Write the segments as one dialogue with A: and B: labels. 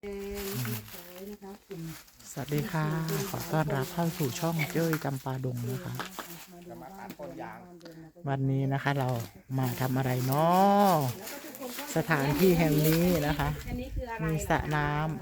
A: สวัสดีค่ะขอต้อนรับเข้าสู่ช่องเจ้ยจำปาดงนะคะวันนี้นะคะเรามาทำอะไรเนาะสถานที่แห่งนี้นะคะมีสระน้ำ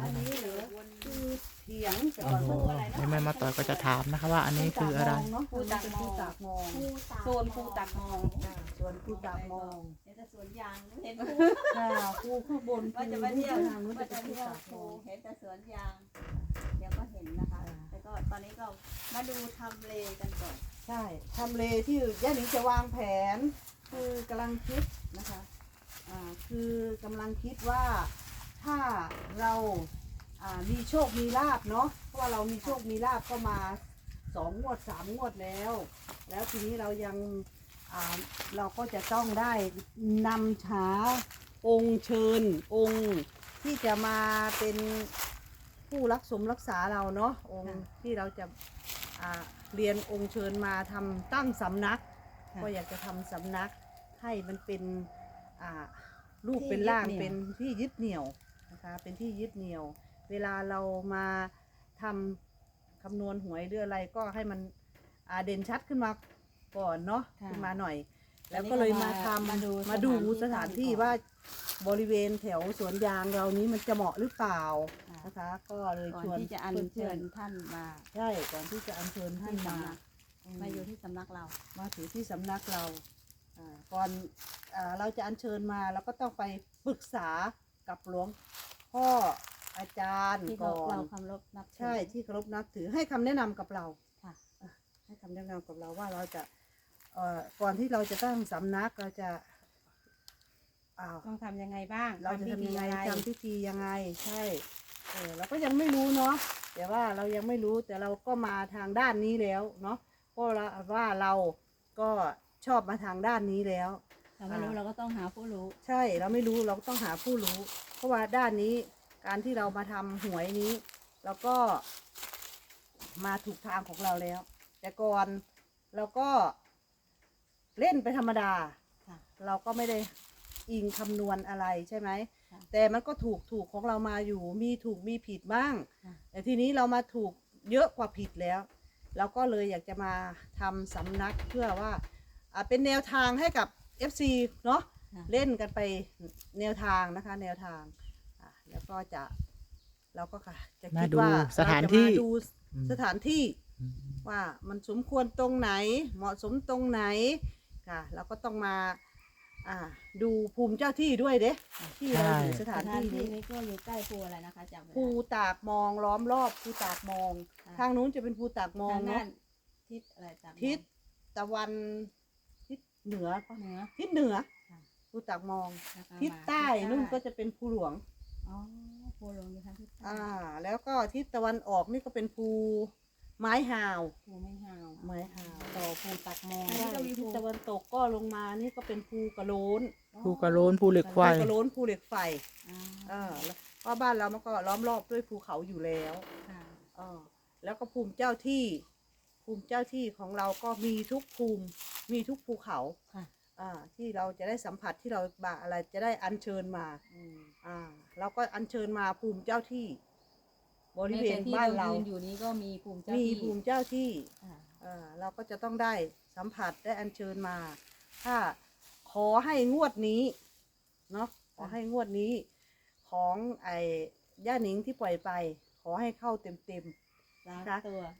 A: โอ้โหแม่มาต่อยก็จะถามนะคะว่าอันนี้คืออะไร
B: ภูตากมองโซนภูตากมอง
C: ส่วนภูตากมอง
B: เห็นแต่สวนยางเห็นภู
C: ภูข้างบน
B: ว่าจะมาเที่ยว
C: ทางนู้น
B: ว่า
C: จะ
B: จะ
C: เป็นภู
B: เที่ยว
C: ตากม
B: ภู
C: อง
B: เห็นแต่สวนยางเดี๋ยวก็เห็นนะคะแต่ก็ตอนนี้ก็มาดูทำเลกันก่อน
C: ใช่ทำเลที่ย่าหนิงจะวางแผนคือกำลังคิดนะคะคือกำลังคิดว่าถ้าเรามีโชคมีลาภเนาะเพราะว่าเรามีโชคมีลาภก็มา2 งวด 3 งวดแล้วทีนี้เรายังเราก็จะต้องได้นำหาองค์เชิญองค์ที่จะมาเป็นผู้รักษาเราเนาะองค์ที่เราจะเรียนองค์เชิญมาทำตั้งสำนักก็อยากจะทำสำนักให้มันเป็นรูปเป็นร่างเป็นที่ยึดเหนี่ยวนะคะเป็นที่ยึดเหนี่ยวเวลาเรามาทำคำนวณหวยหรืออะไรก็ให้มันเด่นชัดขึ้นมาก่อนเนาะขึ้นมาหน่อยแล้วก็เลยมาดูสถานที่ว่าบริเวณแถวสวนยางเรานี้มันจะเหมาะหรือเปล่านะคะก็เลยชวน
B: ที่จะอัญเชิญท่านมา
C: ใช่ก่อนที่จะอัญเชิญท่านมา
B: อยู่ที่สำนักเรา
C: มาถือที่สำนักเราก่อนเราจะอัญเชิญมาเราก็ต้องไปปรึกษากับหลวงพ่ออาจารย์ก่อน
B: เราเคารพนับ
C: ใช่ที่เคารพนับถือให้คำแนะนำกับเรา
B: ค่ะ
C: ให้คำแนะนำกับเราว่าเราจะก่อนที่เราจะตั้งสำนักเราจะ
B: ต้องทำยังไงบ้าง
C: เราจะทำยังไงทำพิธียังไงใช่เราก็ยังไม่รู้เนาะแต่ว่าเรายังไม่รู้แต่เราก็มาทางด้านนี้แล้วเนาะเพราะว่าเราก็ชอบมาทางด้านนี้แล้ว
B: เราไม่รู้เราก็ต้องหาผู้รู้
C: ใช่เราไม่รู้เราก็ต้องหาผู้รู้เพราะว่าด้านนี้การที่เรามาทำหวยนี้เราก็มาถูกทางของเราแล้วแต่ก่อนเราก็เล่นไปธรรมดาเราก็ไม่ได้อิงคำนวณอะไรใช่ไหมแต่มันก็ถูกของเรามาอยู่มีถูกมีผิดบ้างแต่ทีนี้เรามาถูกเยอะกว่าผิดแล้วเราก็เลยอยากจะมาทำสำนักเพื่อว่าเป็นแนวทางให้กับ FC เนาะเล่นกันไปแนวทางนะคะแนวทางแล้วก็เราก็จะคิดว่า
A: สถานที่
C: ดูสถานที่ว่ามันสมควรตรงไหนเหมาะสมตรงไหนค่ะเราก็ต้องมาดูภูมิเจ้าที่ด้วยเด้ที่เราอยู่สถานที่
B: นี้ก็อยู่ใกล้ภูอะไรนะคะจำ
C: ภูตากมองล้อมรอบภูตากมองทางนู้นจะเป็นภูตากมองเนาะ
B: ทิศอะไร
C: ทิศตะวันทิศเหนือทิศเหนือภูตากมองทิศใต้นู่นก็จะเป็นภูหลวง
B: ภูหลวงอยู่ทางทิศใต้
C: แล้วก็ทิศตะวันออกนี่ก็เป็นภูไม้หาว
B: ต่อภูตากมอง
C: ทิศตะวันตกก็ลงมานี่ก็เป็นภูกระโล้น
A: ภูเหล็กไฟ
C: ภูกระโล้นภูเหล็กไฟเพราะบ้านเรามันก็ล้อมรอบด้วยภูเขาอยู่แล้วแล้วก็ภูมิเจ้าที่ของเราก็มีทุกภูมิมีทุกภูเขาที่เราจะได้สัมผัสที่เราอะไรจะได้อัญเชิญมาเราก็อัญเชิญมาภูมิเจ้าที่บริเวณบ้านเรา
B: อยู่นี้ก็มีภูมิเจ้
C: าที่เราก็จะต้องได้สัมผัสได้อัญเชิญมาถ้าขอให้งวดนี้เนาะขอให้งวดนี้ของย่าหนิงที่ปล่อยไปขอให้เข้าเต็ม
B: นะคะ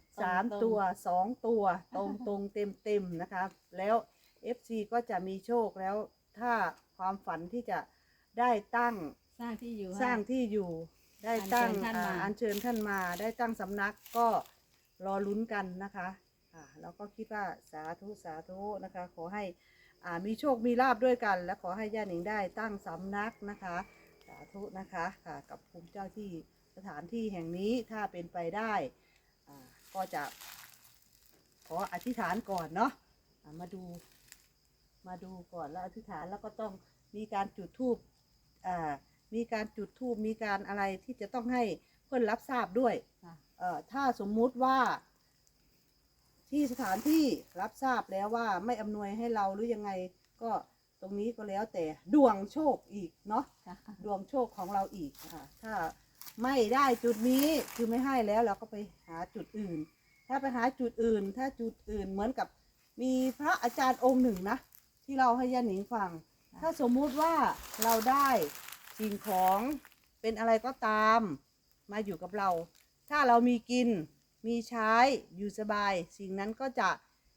C: 3 ตัว 2 ตัวตรงเต็มนะคะแล้ว FC ก็จะมีโชคแล้วถ้าความฝันที่จะได้ตั้ง
B: สร้างที่อยู่
C: ได้ตั้งอัญเชิญท่านมาได้ตั้งสำนักก็รอลุ้นกันนะคะแล้วก็คิดว่าสาธุนะคะขอให้มีโชคมีลาภด้วยกันและขอให้ย่าหนิงได้ตั้งสำนักนะคะสาธุนะคะกับภูมิเจ้าที่สถานที่แห่งนี้ถ้าเป็นไปได้ก็จะขออธิษฐานก่อนเนาะมาดูก่อนแล้วอธิษฐานแล้วก็ต้องมีการจุดธูปมีการอะไรที่จะต้องให้เพื่อนรับทราบด้วยถ้าสมมุติว่าที่สถานที่รับทราบแล้วว่าไม่อำนวยให้เราหรือยังไงก็ตรงนี้ก็แล้วแต่ดวงโชคอีกเนาะดวงโชคของเราอีกถ้าไม่ได้จุดนี้คือไม่ให้แล้วเราก็ไปหาจุดอื่น ถ้าไปหาจุดอื่น ถ้าจุดอื่นเหมือนกับมีพระอาจารย์องค์หนึ่งนะที่เราให้ย่าหนิงฟัง ถ้าสมมุติว่าเราได้สิ่งของเป็นอะไรก็ตามมาอยู่กับเรา ถ้าเรามีกินมีใช้อยู่สบาย สิ่งนั้นก็จะ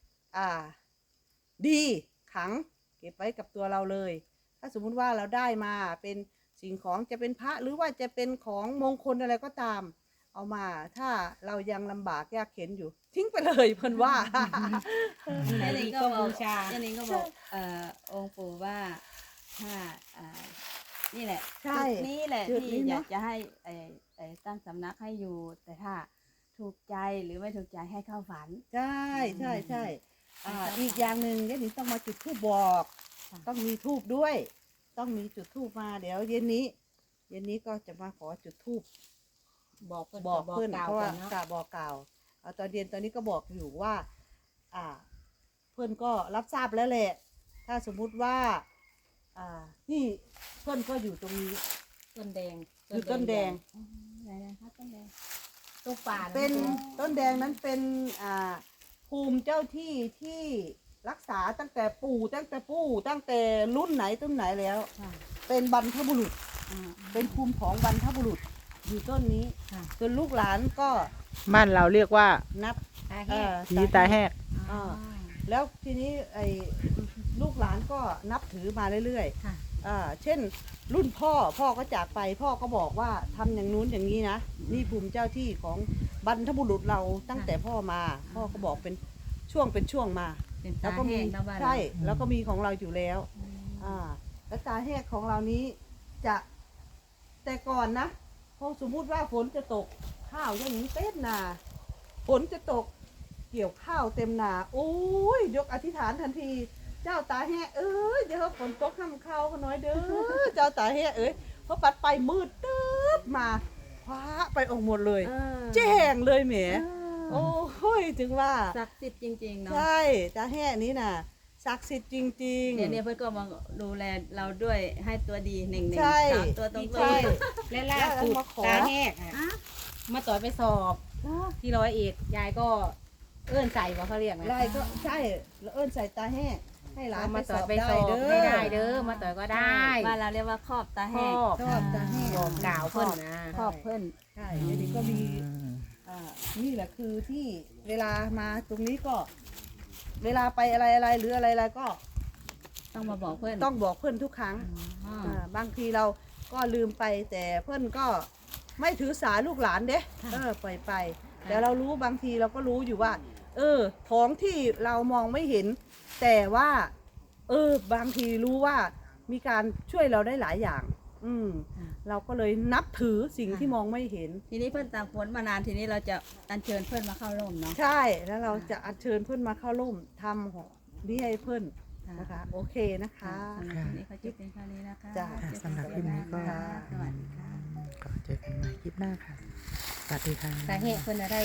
C: ดีขังเก็บไว้กับตัวเราเลย ถ้าสมมุติว่าเราได้มาเป็นสิ่งของจะเป็นพระหรือว่าจะเป็นของมงคลอะไรก็ตาม เอามาถ้าเรายังลำบากยากเข็นอยู่ ทิ้งไปเลยเพิ่นว่า
B: อันนี้ก็บอกอันนี้ก็บอกองค์ปู่ว่าถ้านี่แหละ
C: ใช่
B: จุดนี้แหละ
C: จุดนี้
B: ที่อยา
C: เนาะ
B: กจะให้ตั้งสำนักให้อยู่ แต่ถ้าถูกใจหรือไม่ถูกใจให้เข้าฝัน
C: ใช่ใช่ใช่
B: อืม
C: อีกอย่างหนึ่งเดี๋ยวนี้ต้องมาจุดธูปบอก
B: ค่ะ
C: ต้องมีธูปด้วย ต้องมีจุดธูปมาเดี๋ยวเย็นนี้ก็จะมาขอจุดธูป
D: บอกเพิ่น
C: บอก
D: บอก
C: เพื่อน
D: กล่าว
C: เพราะ
D: ก่
C: ว่า
D: อนเนาะ
C: กะบอกกล่าวเอาตอนเย็นตอนนี้ก็บอกอยู่ว่า เพื่อนก็รับทราบแล้วแหละ ถ้าสมมุติว่านี่เพื่อนก็อยู่ตรงนี้
D: ต้นแดง
C: อยู่ต้นแดง
B: ไหนนะคะต้นแดง
D: ต้นป่า
C: เป็นต้นแดงนั้นเป็นภูมิเจ้าที่ที่รักษาตั้งแต่ปู่ตั้งแต่รุ่นไหนต้นไหนแล้ว
B: ค่ะ
C: เป็นบรรพบุรุษ
B: อ่า
C: เป็นภูมิของบรรพบุรุษอยู่ต้นนี้
B: ค่ะ
C: จนลูกหลานก็
A: บ้านเราเรียกว่า
C: นับ
D: ตาแห้ง
A: ผีตาแหก
C: อ่าแล้วทีนี้ลูกหลานก็นับถือมาเรื่อย
B: ค่ะ
C: ๆเช่นรุ่นพ่อก็จากไปพ่อก็บอกว่าทำอย่างนู้นอย่างนี้นะนี่ภูมิเจ้าที่ของบรรพบุรุษเราตั้งแต่พ่อมา พ่อก็บอกเป็นช่วงมา
B: เป็น
C: แล้
B: ตาว
C: ก็มี
B: แห้งนะบ้านเรา
C: ใช่แล้วก็มีของเราอยู่แล้ว แล้วตาแหกของเรานี้จะแต่ก่อนนะพอสมมุติว่าฝนจะตกข้าวอย่างนี้เต็มนาฝนจะตกเกี่ยวข้าวเต็มนาโอ้ยยกอธิษฐานทันที เจ้าตาแหกเอ้ยเดี๋ยวฝนตกห้ามข้าวเขาน้อยเด้อ เจ้าตาแหกเอ้ยเพราะปัดไปมืดตึ๊บมาคว้าไปออกหมดเลย แจ้งเลยแหมโอ้ยถึงว่า
B: ศักดิ์สิทธิ์จริงๆเนาะ
C: ใช่ตาแห่นี้น่ะศักดิ์สิทธิ์จริงๆ
B: เนี่ยเพื่อนก็มาดูแลเราด้วยให้ตัวดีหนึ่ง
C: ใช่
B: สามตัวตรง
C: ใช่
D: และล่าสุด
C: แล้วมาขอ
D: ตาแห้งอะมาต่อยไปสอบที่ร้อยเอ็ดยายก็เอื้อนใส่ว่าเขาเรียกนะ
C: ลายก็ใช่แล้วเอิ้นใส่ตาแห่ให้หลาน
D: มา
C: ไปส
D: ต่อ
C: อย บ
D: ไป
C: ได้
D: สอบ
C: เด้อ
D: ไม่ได้เด้อมาต่อยก็ได้
B: บ้านเราเรียกว่าครอบตา
D: คร
B: แห้ง
D: อบ
C: ชอบตาแห่
D: บอกกล่าวเพิ่นนะ
B: ครอบเพื่อน
C: ใช่เดี๋ยวนี้ก็มีนี่แหละคือที่เวลามาตรงนี้ก็ เวลาไปอะไรหรืออะไรก็
B: ต้องมาบอกเพื่อน
C: ต้องบอกเพื่อนทุกครั้ง
B: อ๋อ
C: บางทีเราก็ลืมไปแต่เพื่อนก็ไม่ถือสาลูกหลานเด้ปล่อยไปแต่เรารู้บางทีเราก็รู้อยู่ว่า ของที่เรามองไม่เห็น แต่ว่า บางทีรู้ว่ามีการช่วยเราได้หลายอย่าง เราก็เลยนับถือสิ่งที่มองไม่เห็น
B: ทีนี้เพื่อนตากฝนมานานทีนี้เราจะอัญเชิญเพื่อนมาเข้าร่มเนาะ
C: ใช่แล้วเราจะอัญเชิญเพื่อนมาเข้าร่วมทำของนี่ให้เพื่อนนะคะ โอเคนะคะ
B: สำหรับวันนี้เขาจะเป็นแค่นี้นะคะ
C: จ้ะ
A: สำหรับคลิปนี้ก็
B: สวัสดีค่ะ
A: ก็เจอกันใหม่คลิปหน้าค่ะ สวัสดีค่ะ
D: ตาแห้งเพิ่นอะไร